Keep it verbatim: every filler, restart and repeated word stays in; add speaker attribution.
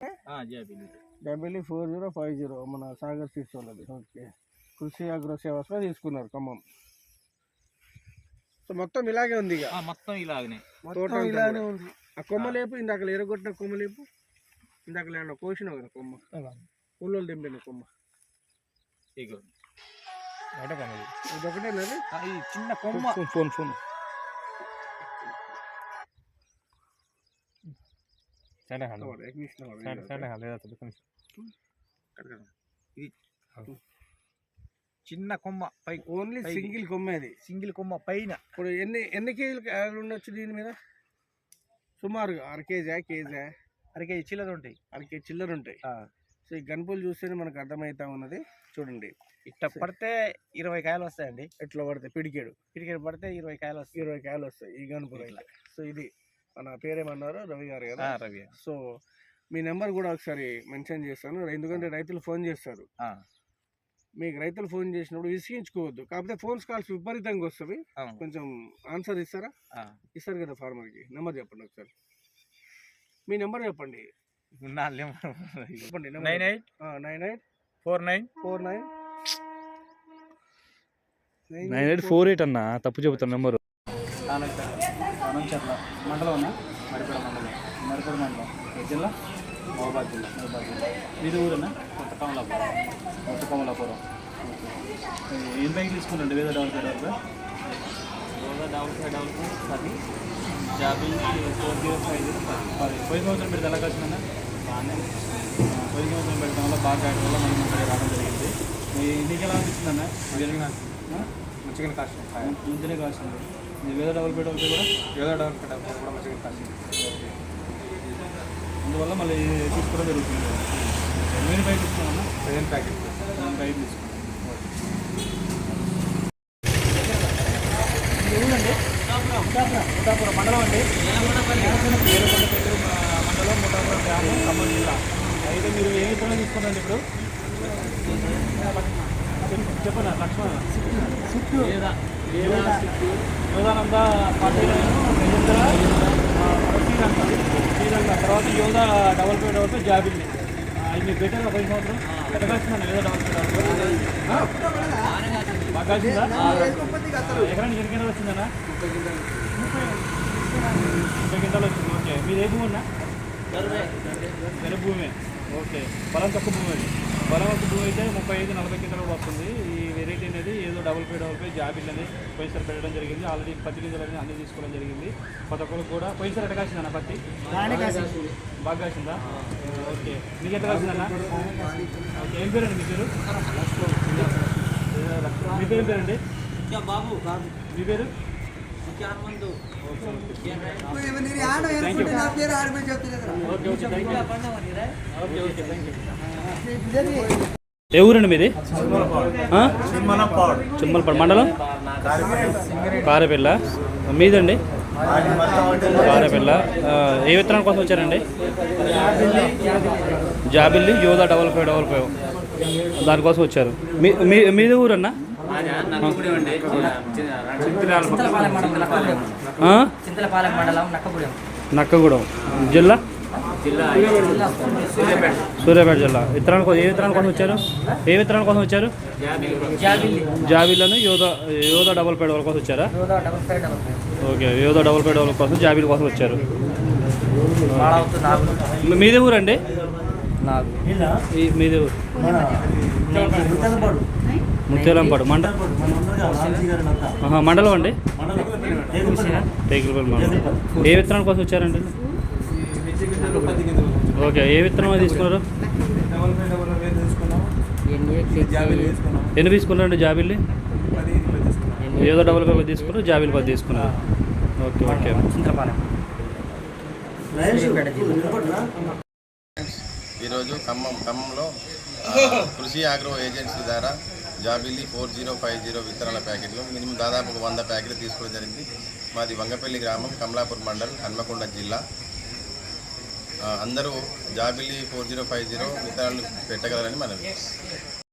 Speaker 1: జాబిల్లి four zero five zero మన Sagar seeds వాళ్ళది. ఓకే, కృషి అగ్రో సేవాస్లో తీసుకున్నారు ఖమ్మం. సో మొత్తం ఇలాగే ఉంది, ఇక
Speaker 2: మొత్తం ఇలాగనే
Speaker 1: తోట ఇలానే ఉంది. ఆ కొమ్మలేపు ఇందాక ఎరగొట్టిన కొమ్మలేపు ఇందాక లేకుండా కోసినావు కదా కొమ్మ, ఊళ్ళో దింపిన కొమ్మ
Speaker 2: ఇది
Speaker 1: ఒకటేనది
Speaker 2: చిన్న కొమ్మ.
Speaker 3: ఫోన్ ఫోన్
Speaker 2: చిన్న కొమ్మ పై,
Speaker 1: ఓన్లీ సింగిల్ కొమ్మ, అది
Speaker 2: సింగిల్ కొమ్మ పైన.
Speaker 1: ఇప్పుడు ఎన్ని ఎన్ని కేజీలు ఉండొచ్చు దీని మీద? సుమారుగా అర కేజీ కేజీ
Speaker 2: అర కేజీ చిల్లర ఉంటాయి,
Speaker 1: అర కేజీ చిల్లర ఉంటాయి. సో ఈ గన్పులు చూస్తేనే మనకు అర్థమవుతా ఉన్నది. చూడండి,
Speaker 2: ఇట్లా పడితే ఇరవై కాయలు వస్తాయండి.
Speaker 1: ఎట్లా పడితే పిడికేడు
Speaker 2: పిడికేడు పడితే ఇరవై కాయలు వస్తాయి,
Speaker 1: ఇరవై కాయలు వస్తాయి ఈ గన్పులు. ఇట్లా సో ఇది మన పేరేమన్నారు? రవి గారు కదా.
Speaker 2: రవి.
Speaker 1: సో మీ నెంబర్ కూడా ఒకసారి మెన్షన్ చేస్తాను, ఎందుకంటే రైతులు ఫోన్ చేస్తారు. మీకు రైతులు ఫోన్ చేసినప్పుడు విసిగించుకోవద్దు, కాకపోతే ఫోన్స్ కాల్స్ విపరీతంగా వస్తుంది. కొంచెం ఆన్సర్ ఇస్తారా? ఇస్తారు కదా ఫార్మర్కి. నెంబర్ చెప్పండి ఒకసారి, మీ నెంబర్ చెప్పండి. చెప్పండి.
Speaker 2: Nine eight
Speaker 1: nine eight
Speaker 2: four nine
Speaker 1: four nine
Speaker 3: nine eight four eight అన్న తప్పు చెబుతాను నెంబరు.
Speaker 2: మండలం అన్న మరిపేడ మండలం, మరిపేడ మండలం జిల్లా మహబాద్ జిల్లా. మహబాద్ జిల్లా మీది ఊరన్నా? కొత్త కమలాపురం. కొత్త కమలాపురం. ఏం బ్యాంక్ తీసుకున్నాండి? వేద డెవలప్ వరకు వేద డెవలప్ డెవలప్ అది జాబిల్ ఫోర్ జీరో ఫైవ్ జీరో పది. పోయిన సంవత్సరం పెడితే ఎలా కాసిందన్న? బాగానే పోయిన సంవత్సరం పెడతాం వల్ల బాగా కాయడం వల్ల మనం ఇక్కడ రావడం జరిగింది. నీకు ఎలా అనిపిస్తుందన్న? మంచిగా కాస్ట్ మంచిగానే కాస్తుంది. వేద డెవలప్మెంట్ అవుతాయి కూడా వేద డెవలప్మెంట్ అవుతాయి కూడా మంచిగా కాస్తుంది. అందువల్ల మళ్ళీ తీసుకోవడం జరుగుతుంది. ఎన్ని ప్యాకెట్ తీసుకున్నామన్నా? సెవెన్ ప్యాకెట్ సెవెన్ ప్యాకెట్ తీసుకున్నాం. ఊరండి ముఠాపురం మండలం అండి, మండలం ముఠాపురం గ్రామం, ఖమ్మం జిల్లా. అయితే మీరు ఏ విత్తనం తీసుకున్నారండి ఇప్పుడు? చెప్పండి. లక్ష్మణ యోధానంద పార్టీలో శ్రీలంక శ్రీలంక తర్వాత యోధా డబల్ పే డబల్ పే జాబిల్లి. అది మీరు బెటర్ పది సంవత్సరం ఎట్లా కాల్చిందండి యోధా డబల్ పే డబల్ పే? బాగా కాల్చిందా? ఎకరానికి ఎన్ని గింటలు వచ్చిందన్నా? ముప్పై గింటలు వచ్చింది. ఓకే, మీరు ఏ భూమి అన్నా? వెర భూమి. ఓకే, బలం తక్కువ భూమి. అది బలం ఒక భూమి అయితే ముప్పై ఐదు నలభై గింటలు కూడా వస్తుంది. ఈ వెరైటీ అనేది ఏదో డబుల్ పే డబుల్ పే జాబిల్ అనేది పోయినసారి పెట్టడం జరిగింది. ఆల్రెడీ పత్తి గింజలు అనేది అన్నీ తీసుకోవడం జరిగింది. ప్రతి ఒక్కరు కూడా పోయినసారి ఎట్లా కాసిందన్న పత్తి? బాగా కాసిందా? ఓకే, మీకు ఎట్లా కాసిందన్న? ఓకే, ఏం పేరండి మీ పేరు? మీ పేరు ఏం పేరండి? బాబు. మీ పేరు?
Speaker 3: ఏ ఊరండి మీది? చిమ్మలపాడు మండలం కారేపల్ల. మీదండి? కారేపల్ల. ఏ విత్తనాల కోసం వచ్చారండి? జాబిల్లి యోధా డబల్ ఫైవ్ డబల్ ఫైవ్ దానికోసం వచ్చారు. మీ మీది ఊరన్నా? నక్కగూడెం జిల్లా, సూర్యాపేట జిల్లా. విత్తనాల కోసం ఏ విత్తనాల కోసం వచ్చారు? ఏ విత్తనాల కోసం వచ్చారు? జాబిల్లను యోధా యోధా డబల్ ఫైవ్ డబల్ కోసం వచ్చారా? Okay, Yodha double five double కోసం జాబిల్ కోసం వచ్చారు. మీదే ఊరండి? మీదే ఊరు ముత్యాలంపాడు మండలం. మండలం అండి, టేకులపల్లి మండలం. ఏ విత్తనాల కోసం వచ్చారండి? ఓకే, ఏ విత్తనం తీసుకున్నారు? ఎన్ని తీసుకున్నారండి జాబిల్లి? ఏదో డబల్ ఫైవ్ తీసుకున్నారు, జాబిల్ పది తీసుకున్నారు. Okay okay.
Speaker 4: ఈరోజు ఖమ్మం ఖమ్మంలో కృషి ఆగ్రో ఏజెన్సీ ద్వారా జాబిల్లి ఫోర్ జీరో ఫైవ్ జీరో విత్తనాల ప్యాకెట్లు మినిమం దాదాపు ఒక వంద ప్యాకెట్లు తీసుకోవడం జరిగింది. మాది వంగపల్లి గ్రామం, కమలాపూర్ మండల్, హన్మకొండ జిల్లా. అందరూ జాబిల్లి ఫోర్ జీరో ఫైవ్ జీరో విత్తనాలు పెట్టగలరని మనం